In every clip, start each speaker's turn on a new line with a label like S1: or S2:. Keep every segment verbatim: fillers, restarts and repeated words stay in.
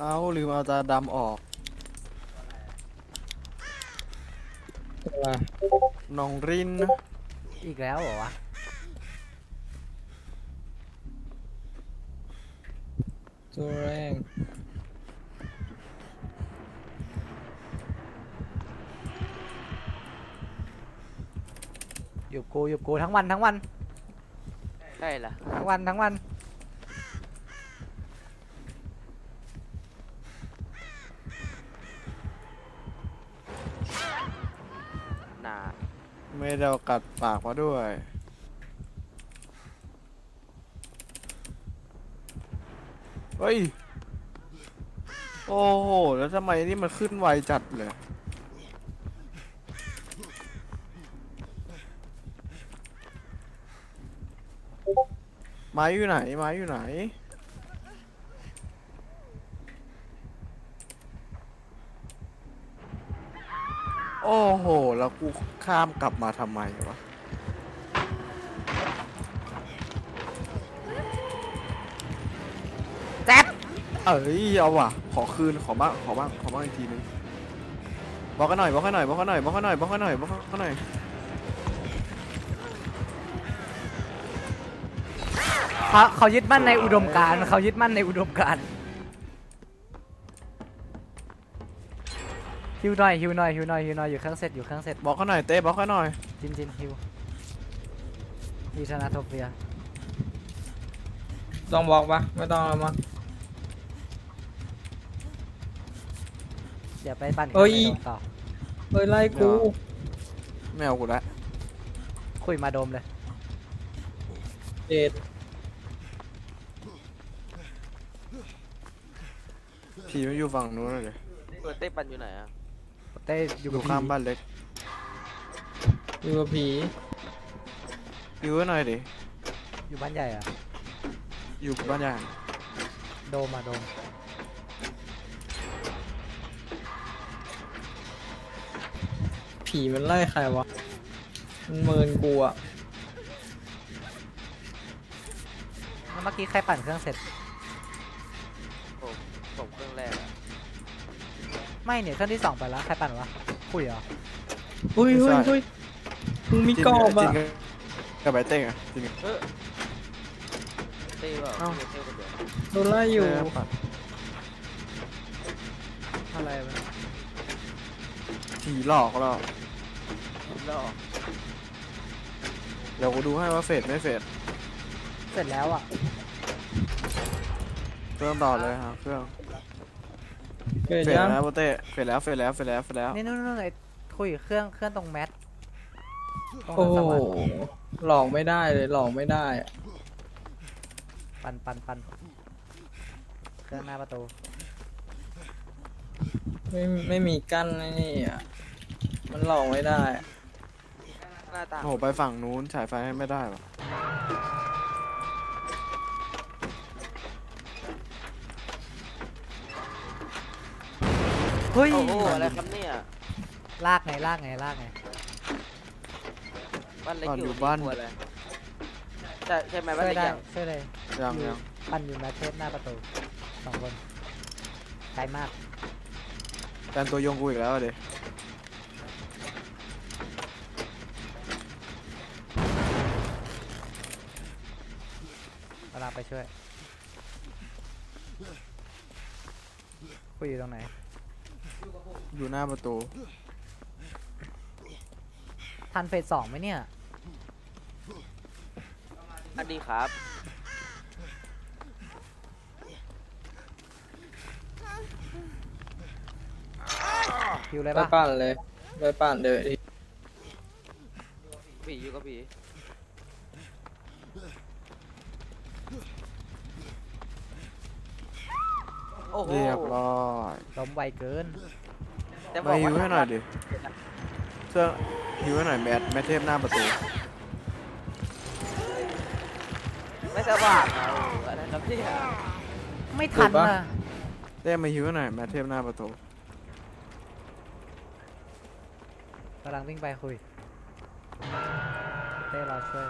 S1: เอาลืมเอาตาดำออกน้องริน
S2: อีกแล้วเหรอวะ
S3: ตัวแรง
S2: อยู่กูอยู่กูทั้งวันทั้งวัน
S4: ใช่ล่ะ
S2: ทั้งวันทั้งวัน
S4: หนา
S1: ไม่ได้เอากัดปากมาด้วยเฮ้ยโอ้โหแล้วทำไมนี่มันขึ้นไวจัดเลยไม้อยู่ไหนไม้อยู่ไหนโอ้โหแล้วกูข้ามกลับมาทำไมวะ
S2: แจ๊บ
S1: เอ้ยเอาว่ะขอคืนขอบ้างขอบ้างขอบ้างอีกทีนึงบอกกันหน่อยบอกกันหน่อยบอกกันหน่อยบอกกันหน่อยบอกกันหน่อยบอกกันหน่อย
S2: เขาเขายึดมั่นในอุดมการณ์เขายึดมั่นในอุดมการณ์ฮิวหน่อยฮิวหน่อยฮิวหน่อยฮิวหน่อยอยู่เครื่องเสร็จอยู่เครื่องเสร็จ
S1: บอกกันหน่อยเต้บอกกันหน่อย
S2: จินจินฮิวฮิวชนะโทเปีย
S3: ต้องบอกปะไม่ต้องแล้วมั้ง
S2: เดี๋ยวไปปั่น
S3: เอ้ย
S2: ต่อ
S3: เฮ้ยไล่กู
S1: ไม่เอากูละ
S2: คุยมาโดมเลย
S3: เจ็ด
S1: ผีไม่อยู่ฝั่งนู้นเลย
S4: เปิดเต้ปันอยู่ไหนอ่ะ
S2: เต้อ
S1: อยู่
S2: กับ
S1: ข้างบ้านเล็ก
S3: อยู่กับผี
S1: อยู่ไว้หน่อยดิ
S2: อยู่บ้านใหญ่อะ
S1: อยู่บ้านใหญ่
S2: โดมมาโดม
S3: ผีมันไล่ใครวะมันเมินกูอะ
S2: เมื่อกี้ใครปั่นเครื่องเสร็จ
S4: ผมผมเครื่องแรกอะ
S2: ไม่เนี่ยเครื่องที่สองไปแล้วใครปั่นวะคุยเหรอ
S3: เฮ้ยเฮ้ยเฮ้ยมึงมีกรอบอะ
S1: กับไบเต้งอะจริง
S4: เออเต้เปล่าเต้คนเดียว
S3: โดนไล่อยู่
S2: อะไรวะ
S1: ผีหลอกเรา
S4: แล้ว
S1: เดี๋ยวกูดูให้ว่าเฟดไม่เฟด
S2: เสร็จแล้วอ่ะ
S1: เครื่องต่อเลยฮะเครื่อง
S3: เกิด
S1: เฟด
S3: ยัง
S1: แล้วโบเต้เฟดแล้วเฟดแล้วเฟดแล้วเฟดแล้ว
S2: นี่นู่นๆไอ้คุยเครื่องเครื่องตรงแมทตรง
S3: โอ้
S2: ส
S3: โห
S2: วรรค์
S3: หลอกไม่ได้เลยหลอกไม่ได้อะ
S2: ปั่นปั่นปั่นเครื่องหน้าประตู
S3: ไม่ไม่มีกั้นนี่อ่ะมันหลอกไม่ได้อะ
S4: หน้าตา
S1: โอ้โหไปฝั่งนู้นฉายไฟให้ไม่ได้หรอ
S2: เฮ้ย
S4: โอ้โหอะไรครับเนี่ย
S2: ลากไงลากไงลากไง
S4: บ้านเล็กอยู่บ้านอะไรใช่ใช่ไหมบ้าน
S2: ช่วย
S4: เล็ก
S2: ได้
S4: ยัง
S2: ช่วยเลย
S1: ยังยัง
S2: ปั่นอยู่แมทเทสหน้าประตูสองคนไกลมาก
S1: แฟนตัวยงกูอีกแล้วเด
S2: เวลาไปช่วยคุยอยู่ตรงไหน
S1: อยู่หน้าประตู
S2: ทันเฟสสองไหมเนี่ย
S4: อันดีครับ
S2: คิวเลย
S3: ไป
S2: ปะ
S3: ปั่นเลยไปปั่นเดี๋ยวดิ
S4: ผีอยู่กับผีโอ้โห
S1: เรียบร้อย
S2: ล้มไวเกิน
S4: แต่บ
S1: มา
S4: อก
S1: ฮิว
S4: ว่า
S1: ให้หน่อยดิเสื้อฮิวให้หน่อยแมทแมทเทพหน้าประตู
S4: ไม่สว่างอะอะไรครับเนี่ย
S2: ไม่ทันนะ
S1: เต้มาฮิวให้หน่อยแมทเทพหน้าประตู
S2: กำลังวิ่งไปคุยเต้รอช่วย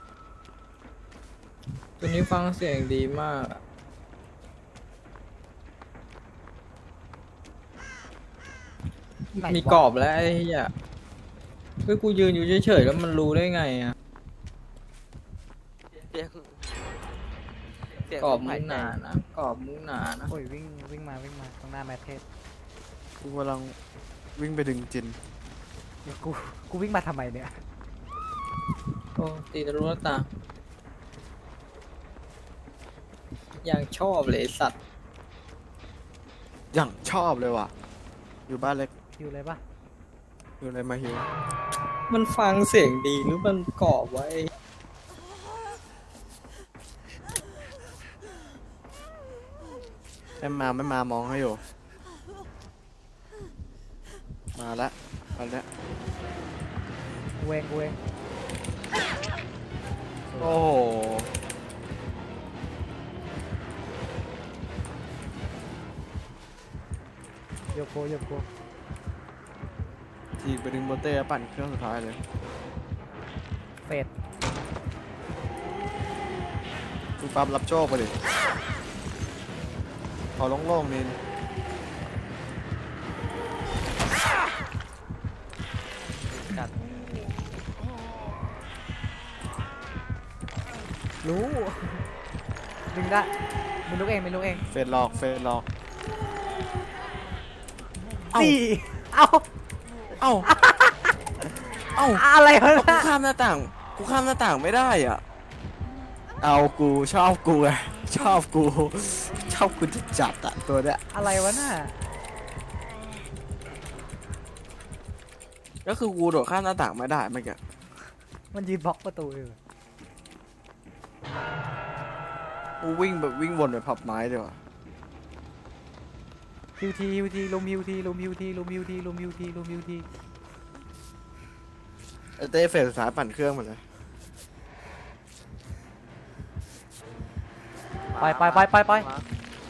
S3: ตัวนี้ฟังเสียงดีมากอะ
S2: ไหน
S3: มี
S2: วะ
S3: กรอบแล้วไอ้เหี้ยเฮ้ยกูยืนอยู่เฉยๆแล้วมันรู้ได้ไงอะ
S4: เสียงเสียง
S3: กรอบ
S4: ลม
S3: มึ
S4: หาย
S3: ง
S4: ใจ
S3: หนานะกรอบมึงหนานะ
S2: โอ้ยวิ่งวิ่งมาวิ่งมาตรงหน้าแมทเทส
S1: กูกำลังวิ่งไปดึงจิน
S2: เดี๋ยวกูกูวิ่งมาทำไมเนี่ย
S3: โอ้ตีทะลุหน้าต่างอย่างชอบเลยไอ้สัตว์
S1: อย่างชอบเลยว่ะ อยู่บ้านเล็ก
S2: คิวเลยปะ
S1: อยู่ในมาฮิว
S3: มันฟังเสียงดีหรือมันกรอบไว้
S1: ไม่มาไม่มามองให้อยู่ มาละมาละ
S2: กูเองกูเอง
S1: โอ้โห
S2: โยโกโยโก
S1: ทีไปดึงโบเต้ปั่นเครื่องสุดท้ายเลย
S2: เฟด
S1: กูปั๊บรับโชคไปเลยขอโล่งๆนิน
S4: กัด
S2: รู้ดึงได้มีลูกเองมีลูกเอง
S1: เฟดหลอกเฟดหลอก เอ้า
S2: สี่เอ้า
S1: เอ้า เอ้า
S2: อะไรวะ
S1: กู
S2: น่ะ
S1: ข้ามหน้าต่าง กูข้ามหน้าต่างไม่ได้อ่ะ เอากูชอบกูไงชอบกู ชอบกูจะจัดอะตัวเนี้ย
S2: อะไรวะน่ะ
S1: ก็คือกูโดดข้ามหน้าต่างไม่ได้เมื่อกี้
S2: มันยืนบล็อกประตูอยู่
S1: กูวิ่งแบบวิ่งวนไปพับไม้ดีกว่า
S2: ฮิวทีฮิวทีลุมฮิวทีลุมฮิวทีลุมฮิวทีลุมฮิวทีลุมฮิวที
S1: ไอเต้เฟสสุดท้ายปั่นเครื่องหมดเลย
S2: ไปไปไปไปไป
S4: มา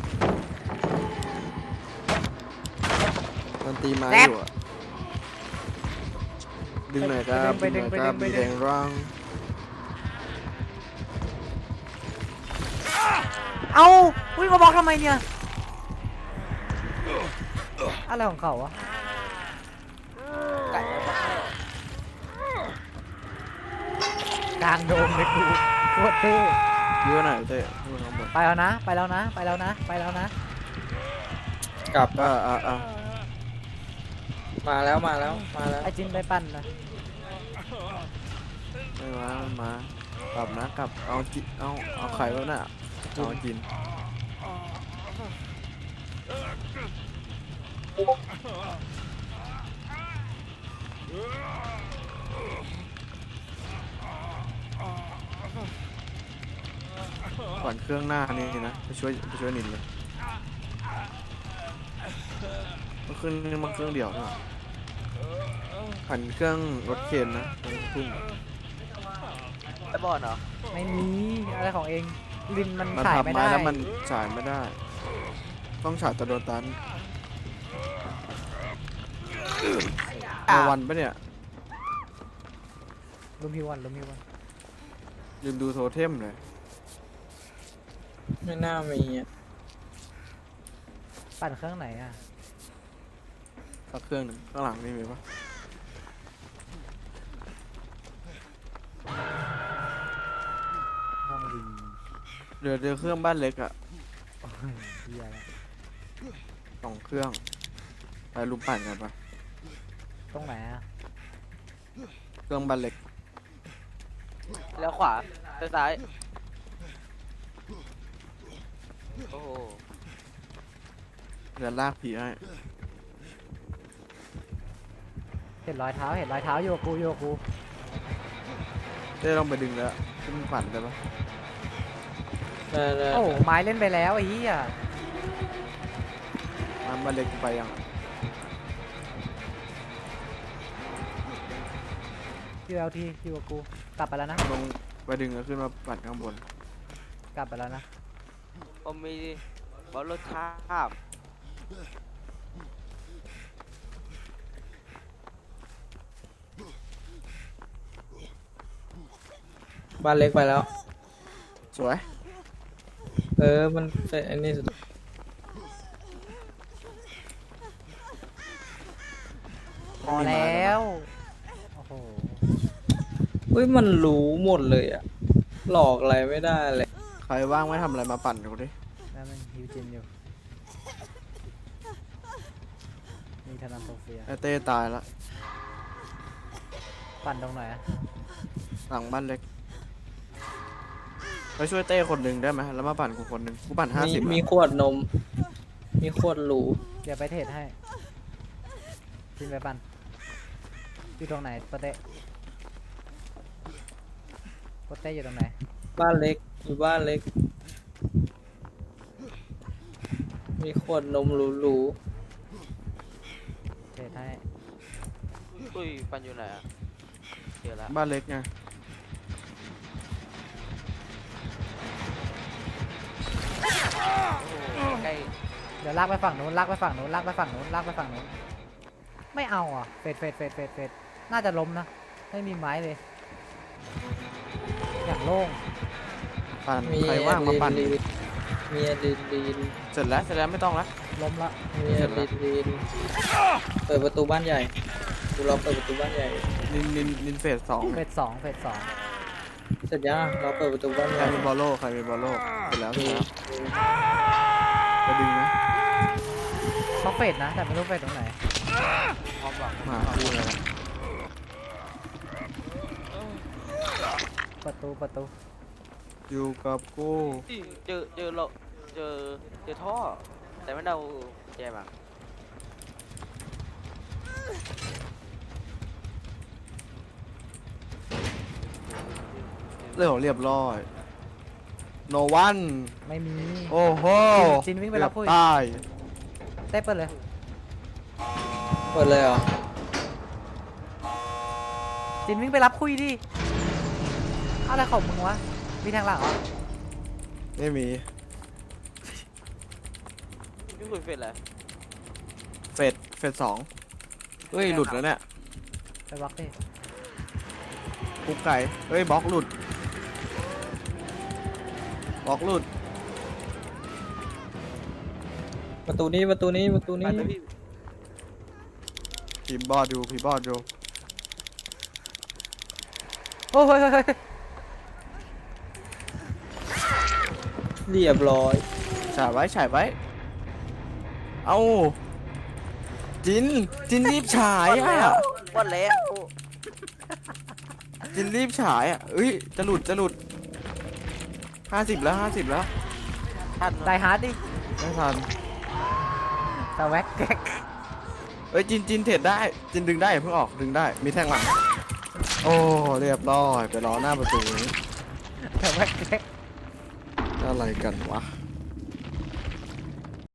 S1: มันตีไม้อยู่อะดึงหน่อยครับ
S2: ไปดึงไปดึงไป
S1: มี
S2: ดึ
S1: แด
S2: ง
S1: งร่าง
S2: เอ้าอุ้ยมาบล็อกทำไมเนี่ยอะไรของเขาวะ
S4: ไก่แล้วก็
S2: กลางโดมเลยกูโคตรเท่
S1: ยื้อหน่อยเต้ยื้อข้างบน
S2: ไปแล้วนะ ไปแล้วนะ ไปแล้วนะ ไปแล้วนะ
S3: กลับ
S1: อ่าอ่าอ่า
S3: มาแล้วมาแล้วมาแล้ว
S2: ไอจินไปปั้นนะ
S1: ไม่มาไม่มากลับนะกลับเอาจิเอาเอาไข่แล้วน่ะเอากินก่อนเครื่องหน้านี่นะไปช่วยไปช่วยนินเลยมันเครื่องนี้มันเครื่องเดียวนะผ่านเครื่องรถเข็นนะตรงทุ่ง
S4: ไอ้บอลเหรอ
S2: ไม่มีอะไรของเอง ลินมัน
S1: มัน
S2: ขาย
S1: พับ
S2: ไม่
S1: ไม้
S2: ได้
S1: แล้วมันฉายไม่ได้ ต้องฉายแตะโดนตันเอวันปะเนี่ย
S2: ลุมฮิววันลุมฮิววัน
S1: ยืนดูโทเทมเลย
S3: ไม่น่ามีอะ
S2: ปั่นเครื่องไหนอ่ะ
S1: สักเครื่องหนึ่งข้างหลังนี่มีปะ
S2: ห้องวิน
S1: เดี๋ยวเดี๋ยวเครื่องบ้านเล็กอะ
S2: โอ้ยเฮียละ
S1: สองเครื่องไปลุมปั่นกันปะ
S2: ตรงไหนอ่ะ
S1: เครื่องบ้านเล็ก
S4: แล้วขวาไปซ้ายโอ้โห
S1: เดี๋ยวลากผีให้
S2: เห็นรอยเท้า เห็นรอยเท้าโยกูโยกู
S1: เต้ลองไปดึงแล้วขึ้นปั่นได้ปะ
S3: ได้ได้
S2: โอ้ไม้เล่นไปแล้วไอ้เหี้ย
S1: น้ำบ้านเล็กไปยัง
S2: คิวเอลทีคิวกู กลับไปแล้วนะ
S1: ลงไปดึงแล้วขึ้นมาปั่นข้างบน
S2: กลับไปแล้วนะ
S4: ผมมีบอลรถข้าม
S3: บ้านเล็กไปแล้ว
S1: สวย
S3: เออมันเป็นอันนี้สุด
S2: พอแล้วโอ้โห
S3: เฮ้ยมันรู้หมดเลยอะหลอกอะไรไม่ได้เลย
S1: ใครว่างไม่ทำอะไรมาปั่นกูดิ
S2: แล้วมันฮิวจินอยู่มีธนาโซเฟีย
S1: ไอเต้ตายละ
S2: ปั่นตรงไหนอะ
S1: หลังบ้านเล็กไปช่วยเต้คนหนึ่งได้ไหมแล้วมาปั่นกูคนหนึ่งกูปั่นห้า
S3: มี
S1: สิบ
S3: มีขวดนม มีขวดหรู
S2: เดี๋ยวไปเทรดให้จินไปปั่นอยู่ตรงไหนโปเต้โปเต้อยู่ตรงไหน
S3: บ้านเล็กอยู่บ้านเล็ก มีขวดนมหรู
S2: เทรดให้
S4: อุ้ยปันอยู่ไหนอะเจอแล้ว
S1: บ้านเล็กไง
S4: ใกล้
S2: เดี๋ยวลากไปฝั่งนู้นลากไปฝั่งนู้นลากไปฝั่งนู้นลากไปฝั่งนู้นไม่เอาอ่ะเฟดเฟดเฟดเฟดเฟดน่าจะล้มนะไม่มีไม้เลยอย่างโล่ง
S1: ปั่น
S3: ๆมี
S1: ใครว่างมาปั่น
S3: ลีนมีอะดรีลีน
S1: เสร็จแล้วเสร็จแล้วไม่ต้องละ
S2: ล้มละ
S3: มีอะดรีลีนเปิดประตูบ้านใหญ่กูรอเปิดประตูบ้านใหญ่
S1: นินนินนินเฟสสอง
S2: เฟดสองเฟดสอง
S3: เสร็จยังเราเปิดประตูบ้านให
S1: ใคร
S3: ญ่
S1: มีบอลโลใครมีบอลโลเสร็จแล้วเสร็จแล้วจะดึงนะ
S2: เขาเฟดนะแต่ไม่รู้เฟดตรงไหน
S4: พร้อมหวัง
S1: มาคู่เลยนะ
S2: ประตูประตู
S1: อยู่กับกู
S4: เจอเจอเราเจอเจอท่อ แต่ไม่เดาแย่มาก
S1: เรื่องของเรียบร้อยโนวัน
S2: ไม่มี
S1: โอ้โห
S2: จินวิ่งไปรับปุ้ย
S1: เกือบตาย
S2: เต้เปิดเลย
S3: เปิดเลยเหรอ
S2: จินวิ่งไปรับคุยดิอะไรของมึงวะมีทางหลังเหรอ
S1: ไม่มี
S4: พี่คุยเฟรนแล้ว
S1: เฟสเฟสสองเฮ้ยหลุดแล้วเนี่ย
S2: ไปบล็อกดิ
S1: คุกไก่เฮ้ยบล็อกหลุดบล็อกหลุด
S3: ประตูนี้ประตูนี้ประตู
S4: ไป
S3: นี้
S4: แต่พี่
S1: พีบอดอยู่พีบอดอยู่
S2: โอ้ยเฮ้ยเฮ้ยเฮ้ย
S3: เรียบร้อย
S1: ฉายไว้ฉายไว้เอาจินจินรีบฉายอ่ะ
S4: วันแล้ว
S1: จินรีบฉายอ่ะเอ้ยจะหลุดจะหลุดห้าสิบแล้วห้าสิบแล้ว
S4: ท่าน
S2: ตายฮาร์ดดิ
S1: ไม่ทัน
S2: แต่แว็กแก๊ก
S1: เอ้ยจินจินเทรดได้จินดึงได้อย่าเพิ่งออกดึงได้มีแท่งหลังโอ้เรียบร้อยไปรอหน้าประตูนี้
S2: แต่แว็กแก๊ก
S1: อะไรกันวะ